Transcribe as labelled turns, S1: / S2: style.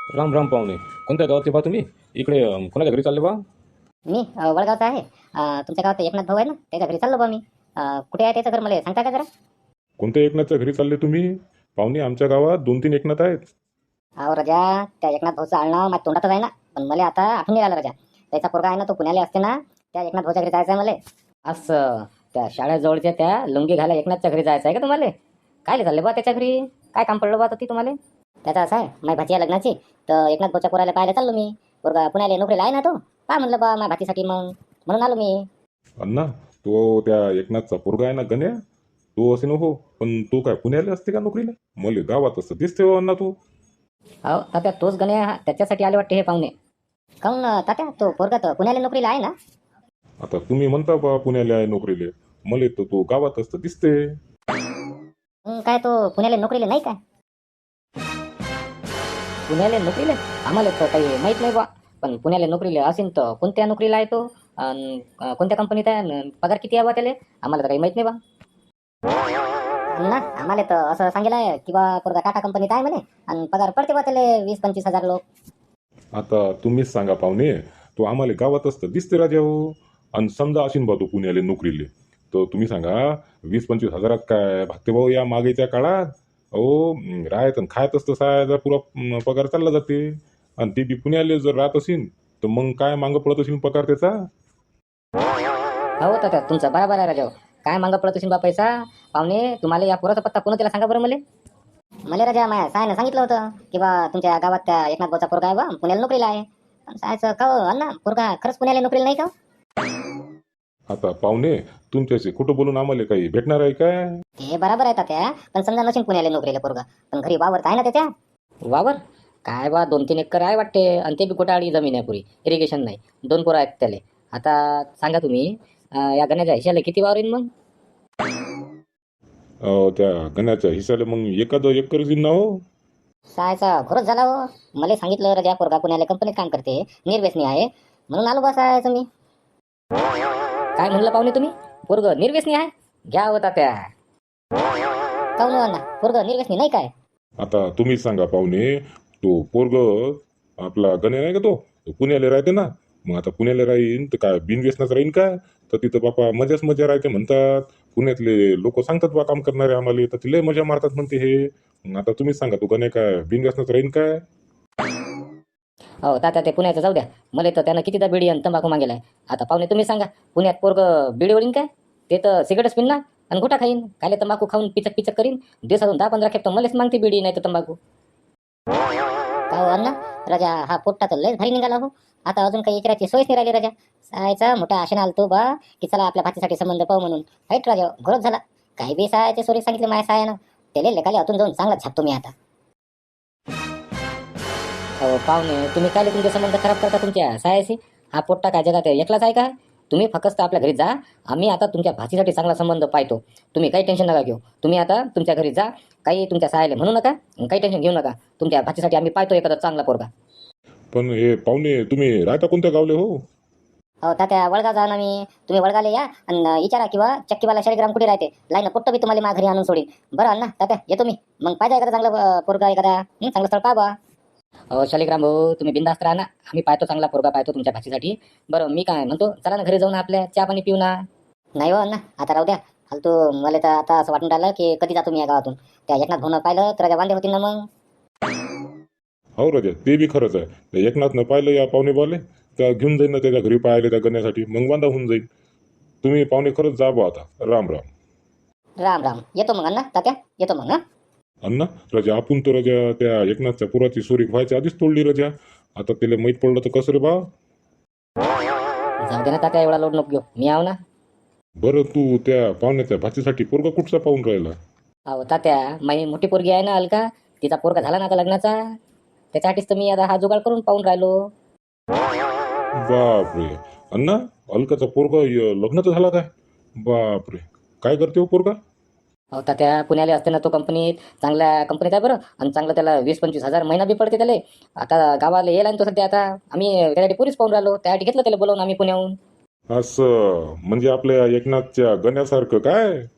S1: राम राम पाहुणे. कोणत्या गावातले बा तुम्ही? इकडे कोणाच्या घरी चालले बा?
S2: मी वडगावचा आहे. तुमच्या गावात एकनाथ भाऊ आहे ना, त्याच्या घरी चाललो बा मी. कुठे आहे त्याचं घर, मला सांगता का जरा?
S3: कोणत्या एकनाथच्या घरी चालले तुम्ही? पाहुणे, आमच्या गावात 2-3 एकनाथ आहेत.
S2: अहो राजा, त्या एकनाथ भाऊचं आडनाव माझ्या तोंडातच आहे ना, पण मला आता आठवण नाही आलं राजा. त्याचा पोरगा आहे ना, तो पुण्याला असते ना, त्या एकनाथ भाऊच्या घरी जायचं आहे मला. असं त्या शाळेजवळच्या त्या लुंगी घाला एकनाथच्या घरी जायचं आहे का तुम्हाला? काय चालले बा त्याच्या घरी? काय काम पडलं बा ती तुम्हाला? त्याचं असं आहे, माझ्या भाची आहे लग्नाची, तर एकनाथ भाऊच्या पोराला पाहायला चाललो मी. पोरगा पुण्याला नोकरीला आहे ना, तो पहा म्हणलं बा माझ्या भाचीसाठी, मग म्हणून आलो मी.
S3: अण्णा, तो त्या एकनाथचा पोरगा आहे ना गण्या, तो असे नको, पण तो काय पुण्याला असते का नोकरीला? मला गावात असं दिसते हो अण्णा तू.
S2: हो तात्या, तोच गण्या त्याच्यासाठी आले वाटते हे पाहुणे. काहून तात्या, तो पोरगा तर पुण्याला नोकरीला आहे ना?
S3: आता तुम्ही म्हणता बा पुण्याला आहे नोकरीले, मला तर तो गावात असतं दिसते.
S2: काय तो पुण्याला नोकरीला नाही काय? पुण्याला नोकरीला आम्हाला तर काही माहित नाही बा. पण पुण्याला नोकरीला असेल तर कोणत्या नोकरीला आहे तो? कोणत्या कंपनीत आहे? पगार किती आहे बा त्याला? आम्हाला तर काही माहित नाही बा. ना आम्हाला तर असं सांगितलं आहे की बा पोरगा टाटा कंपनीत आहे म्हणे, आणि पगार पडते बा त्याला 20-25 हजार लोक.
S3: आता तुम्हीच सांगा पाहुणे, तो आम्हाला गावात असतं दिसते राजा हो. आणि समजा असेल बा तो पुण्याला नोकरीले, तर तुम्ही सांगा 20-25 हजारात काय भागते भाऊ या मागेच्या काळात? अहो, राहत आणि खायत असतं सायाचा पुरा पगार चालला जाते. आणि ते बी पुण्याला जर राहत असेल तर मग काय मागं पडत असेल पगार त्याचा?
S2: हो तर तुमचं बरोबर आहे राजा. काय मागं पडत असेल बा पैसा? पाहुणे, तुम्हाला या पोराचा पत्ता कोण त्याला सांगा बरं मला. मला राजा माया सायनं सांगितलं होतं की बा तुमच्या गावात त्या एकनाथ भाऊचा पोरगा आहे बा, पुण्याला नोकरीला आहे. पण सायचं का हो अण्णा, पोरगा खरंच पुण्याला नोकरीला नाही का?
S3: आता पाहुणे, तुमच्याशी खोटं बोलून आम्हाला काही भेटणार आहे काय?
S2: ते बरोबर आहे त्या, पण समजा नसेल पुण्याला नोकरीला पोरगा, पण घरी वावर आहे ना त्याच्या. वावर काय बा, 2-3 एकर आहे वाटते, आणि ते बी गोटाळी जमीन आहे पुरी, इरिगेशन नाही. 2 पोरं आहेत त्याले. आता सांगा तुम्ही, या गण्याच्या हिशाला किती वावर येईल मग?
S3: त्या गण्याच्या हिस्साला मग एखादं एकर येईल ना हो.
S2: सायचा खरंच झाला हो. मला सांगितलं राजा पोरगा पुण्याला कंपनीत काम करते, निर्व्यसनी आहे, म्हणून आलो बा सायचं मी. काय म्हणलं पाहुणे तुम्ही? पोरग निर्व्यसनी आहे? घ्या होता त्या. काहून अण्णा, पोरग निर्व्यसनी नाही काय?
S3: आता तुम्हीच सांगा पाहुणे, तो पोरग आपला गण्या नाही का तो पुण्याला राहते ना. मग आता पुण्याला राहीन तर काय बिनव्यसनाच राहीन का? तर तिथं बापा मजाच मजा राहते म्हणतात. पुण्यातले लोक सांगतात बा काम करणारे आम्हाला, तर तिला मजा मारतात म्हणते हे. मग आता तुम्हीच सांगा, तो गण्या काय बिनव्यसनाच राहीन काय?
S2: हो तात्या, ते पुण्याचं जाऊ द्या. मला तर त्यानं कितीदा बिडी आणि तंबाखू मागेलाय. आता पाहुणे तुम्ही सांगा, पुण्यात पोरग बिडी ओढीन काय? ते तर सिगरेटच पिन ना, आणि गुटा खाईन. कायले तंबाखू खाऊन पिचक पिचक करीन. दिवसातून 10-15 खेप तर मलाच मागते बिडी नाही तर तंबाखू. का हो अण्णा, राजा हा पोट्टा तर लयच भारी निघाला हो. आता अजून काही विचारायची सोयच नाही राहिली राजा. सायचा मोठा आशेने आलतो बा की चला आपल्या भाचीसाठी संबंध पाहू म्हणून. हाईट राजा, घरच झाला. काही बी सायाचे सोरी सांगितले माझ्या सायानं, त्याले लेखाले आतून जाऊन चांगला छापतो मी आता. हो पाहुणे, तुम्ही काय तुमचे संबंध खराब करता तुमच्या सायाशी? हा पोट्टा काय जगात एकलाच आहे का? तुम्ही फक्त आपल्या घरी जा. आम्ही आता तुमच्या भाचीसाठी चांगला संबंध पाहतो. तुम्ही काही टेन्शन नका घेऊ. तुम्ही आता तुमच्या घरी जा. काही तुमच्या सायाला म्हणू नका, काही टेन्शन घेऊ नका. तुमच्या भाचीसाठी आम्ही पाहतो एखादा चांगला पोरगा.
S3: पण हे पाहुणे, तुम्ही राहता कोणत्या गावले हो?
S2: हो तात्या, वडगाव जा ना मी. तुम्ही वडगावला या आणि विचारा किंवा चक्कीवाला शाळेग्राम कुठे राहते, लाईन पोट्ट बी तुम्हाला माझ्या घरी आणून सोडीन. बरं अण्णा तात्या, येतो मी. मग पाहिजे एखादा चांगला पोरगा, एखादा चांगलं स्थळ पहा बा. हो शालिग्राम भाऊ, तुम्ही बिंदास्त राहा ना. आम्ही पाहतो चांगला पोरगा पाहतो तुमच्या भाचीसाठी. बरं मी काय म्हणतो, चला ना घरी जाऊ ना, आपल्या चहा पाणी पिऊ ना. नाही हो अण्णा, आता राहू द्या. फालतू. मला तर आता असं वाटून राहिलं की कधी जातो मी या गावातून. त्या एकनाथ भाऊनं पाहिलं तर राजा वांदे होतील ना मग.
S3: हो राजा, ते बी खरंच आहे. त्या एकनाथनं पाहिलं या पाहुणे बाले, तर घेऊन जाईन ना त्याच्या घरी पाहिले त्या गण्यासाठी, मग वांदा होऊन जाईल. तुम्ही पाहुणे खरंच जा बा आता. राम राम.
S2: राम राम. येतो मग अण्णा तात्या, येतो मग.
S3: अण्णा, राजा आपण तर राजा त्या एकनाथच्या पुराची सोरी व्हायच्या आधीच तोडली राजा. आता त्याला माहीत पडलं तर कसं रे बा?
S2: जाऊ दे ना तात्या, एवढा लोड नको घेऊ. मी आहो ना.
S3: बरं, तू त्या पाहुण्याच्या भाचीसाठी पोरगा कुठचा पाहून राहिला?
S2: अहो तात्या, माझी मोठी पोरगी आहे ना अलका, तिचा पोरगा झाला ना आता लग्नाचा. त्याच्यासाठीच तर मी आता हा जुगाड करून पाहून राहिलो.
S3: बापरे. अण्णा, अलकाचा पोरगा लग्नाचा झाला काय? बापरे. काय करते हो पोरगा?
S2: अहो तात्या, पुण्याला असते ना तो कंपनीत, चांगल्या कंपनीत आहे बरं, आणि चांगलं त्याला 20-25 हजार महिना बी पडते त्याला. आता गावाला येईल आणि तो सध्या. आता आम्ही त्यासाठी पुरीच पाहून राहिलो, त्यासाठी घेतलं त्याला बोलावून आम्ही पुण्याहून.
S3: असं म्हणजे आपल्या एकनाथच्या गण्यासारखं काय?